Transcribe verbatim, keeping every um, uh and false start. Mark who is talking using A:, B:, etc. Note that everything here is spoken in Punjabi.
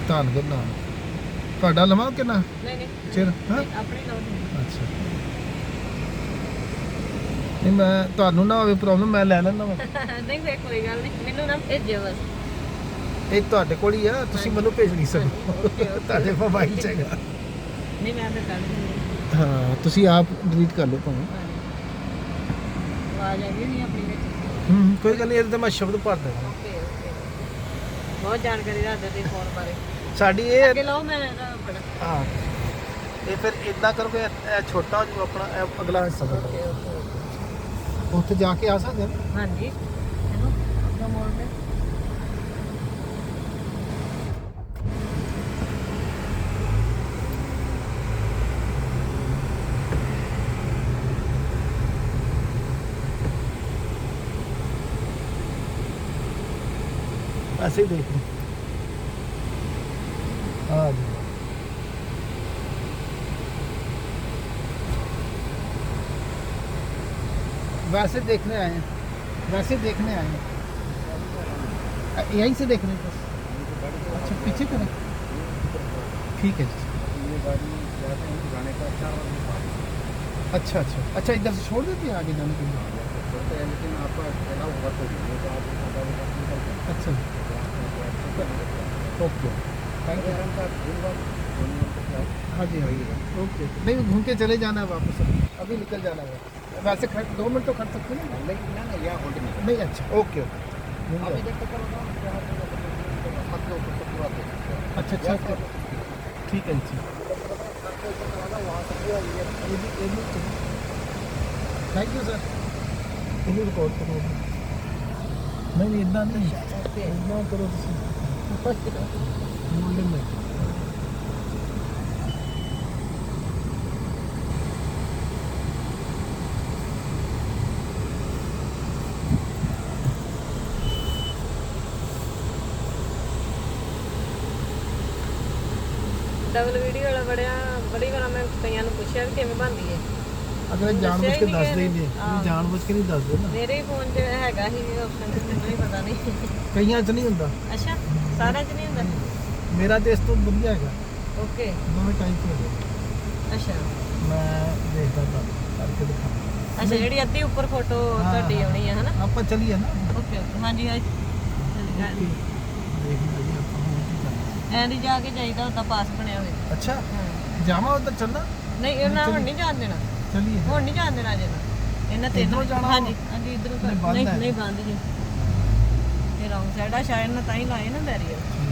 A: ਧੰਨ ਗੁਰੂ ਨਾਨਕ ਤੁਹਾਡਾ ਲਵਾਂ ਕਿੰਨਾ
B: ਨਹੀਂ ਨਹੀਂ
A: ਚਿਰ ਹਾਂ
B: ਆਪਣੇ ਲਓ
A: ਅੱਛਾ ਨਹੀਂ ਮੈਂ ਤੁਹਾਨੂੰ ਨਾ ਹੋਵੇ ਪ੍ਰੋਬਲਮ ਮੈਂ ਲੈ ਲੈਣਾ ਵਾ
B: ਨਹੀਂ ਫੇਰ ਕੋਈ ਗੱਲ ਨਹੀਂ ਮੈਨੂੰ ਨਾ ਭੇਜਿਓ ਬਸ
A: ਇਹ ਤੁਹਾਡੇ ਕੋਲ ਹੀ ਆ ਤੁਸੀਂ ਮੈਨੂੰ ਭੇਜ ਨਹੀਂ ਸਕਦੇ ਤੁਹਾਡੇ ਮੋਬਾਈਲ 'ਚ ਹੈਗਾ
B: ਨਹੀਂ ਮੈਂ ਤਾਂ ਕਰ ਦਿੰਦੀ
A: ਹਾਂ ਤੁਸੀਂ ਆਪ ਡਿਲੀਟ ਕਰ ਲਓ ਭਾਵੇਂ
B: ਆਵਾਜ਼ ਆ ਗਈ ਨਹੀਂ ਆਪਣੀ ਵਿੱਚ
A: ਹੂੰ ਕੋਈ ਗੱਲ ਨਹੀਂ ਇਹਦੇ ਤੇ ਮੈਂ ਸ਼ਬਦ ਭਰ ਦੇਵਾਂ
B: ਓਕੇ ਓਕੇ ਬਹੁਤ ਜਾਣਕਾਰੀ ਦੱਸਦੇ ਤੁਸੀਂ ਫੋਨ ਬਾਰੇ
A: ਸਾਡੀ ਇਹ
B: ਅੱਗੇ ਲਾਓ ਮੈਂ ਇਹਦਾ ਬੜਾ
A: ਹਾਂ ਇਹ ਫਿਰ ਇਦਾਂ ਕਰੋ ਕਿ ਇਹ ਛੋਟਾ ਜੋ ਆਪਣਾ ਇਹ ਅਗਲਾ ਹਿੱਸਾ ਬਣਾ
B: ਓਕੇ ਓਕੇ
A: ਉੱਥੇ ਜਾ ਕੇ ਆ ਸਕਦੇ ਹਾਂ
B: ਹਾਂਜੀ ਇਹਨੂੰ ਆਪਣਾ ਮੋੜ ਦੇ
A: ऐसे ही देख लो हाँ जी वैसे देखने आए हैं वैसे देखने आए हैं यहीं से देखने बस अच्छा पीछे करें ठीक है जी अच्छा अच्छा अच्छा इधर से छोड़ देते हैं आगे जाने के लिए
C: लेकिन आपका अलाउ होगा तो
A: अच्छा ओके थैंक यू हाँ जी हाँ ओके नहीं घूम के चले जाना है वापस अभी निकल जाना है वैसे खड़ दो मिनट तो खड़ सकते हैं ना
C: नहीं ना ना यहाँ होल्ड नहीं
A: नहीं अच्छा ओके ओके
C: अभी जब तक
A: अच्छा अच्छा ठीक है जी थैंक यू सर ये रिकॉर्ड करो नहीं नहीं इतना नहीं इतना करो मोल्डिंग में
B: ਡਬਲ ਵੀਡੀਓ ਵਾਲਾ ਬੜਿਆ ਬੜੀ ਵਾਰ ਮੈਂ ਕਈਆਂ ਨੂੰ ਪੁੱਛਿਆ ਵੀ ਕਿਵੇਂ ਬਣਦੀ ਹੈ
A: अगर जान बुझ के दस दे जान बुझ के नहीं दस दे ना
B: ਮੇਰੇ ਫੋਨ 'ਚ ਹੈਗਾ ਹੀ ਆਪਸ਼ਨ ਮੈਨੂੰ ਨਹੀਂ ਪਤਾ ਨਹੀਂ
A: ਕਈਆਂ 'ਚ ਨਹੀਂ ਹੁੰਦਾ
B: ਅੱਛਾ ਸਾਰਿਆਂ 'ਚ ਨਹੀਂ ਹੁੰਦਾ
A: ਮੇਰਾ ਤੇ ਇਸ ਤੋਂ ਵਧੀਆ ਹੈਗਾ
B: ਓਕੇ
A: ਦੋਵੇਂ ਟਾਈਪ ਹੋ ਗਏ
B: ਅੱਛਾ
A: ਮੈਂ ਦੇਖਦਾ ਤਾਂ ਕਰਕੇ ਦਿਖਾ
B: ਅੱਛਾ ਜਿਹੜੀ ਅੱਧੀ ਉੱਪਰ ਫੋਟੋ ਤੁਹਾਡੀ ਆਉਣੀ ਹੈ ਹਨਾ
A: ਆਪਾਂ ਚਲੀਏ ਨਾ
B: ਓਕੇ ਓਕੇ ਹਾਂਜੀ ਹਾਂ
A: ਦੇਖਦਾ ਜੀ ਆਪਾਂ ਹੁਣ ਕੀ ਕਰਨਾ
B: ਐਂ ਦੀ ਜਾ ਕੇ ਜਾਈਦਾ ਹੁੰਦਾ ਪਾਸ ਬਣਿਆ ਹੋਵੇ
A: ਅੱਛਾ ਜਾਵਾਂ ਉੱਧਰ ਚੱਲਣਾ
B: ਨਹੀਂ ਇਹਨਾਂ ਹੁਣ ਨਹੀਂ ਜਾਣ ਦੇਣਾ
A: ਚਲੀਏ
B: ਹੁਣ ਨਹੀਂ ਜਾਣ ਦੇਣਾ ਜੇ ਇਹਨਾਂ ਤਿੰਨ
A: ਇੱਧਰੋਂ ਜਾਣਾ
B: ਹਾਂਜੀ ਹਾਂਜੀ ਇਧਰੋਂ
A: ਨਹੀਂ, ਬੰਦ
B: ਨਹੀਂ
A: ਹੈ।
B: ਨਹੀਂ ਬੰਦ ਜੀ ਇਹ ਰੌਂਗ ਸਾਈਡ ਆ ਸ਼ਾਇਦ ਨਾ ਤਾਂ ਹੀ ਲਾਏ ਨਾ ਬੈਰੀਅਰ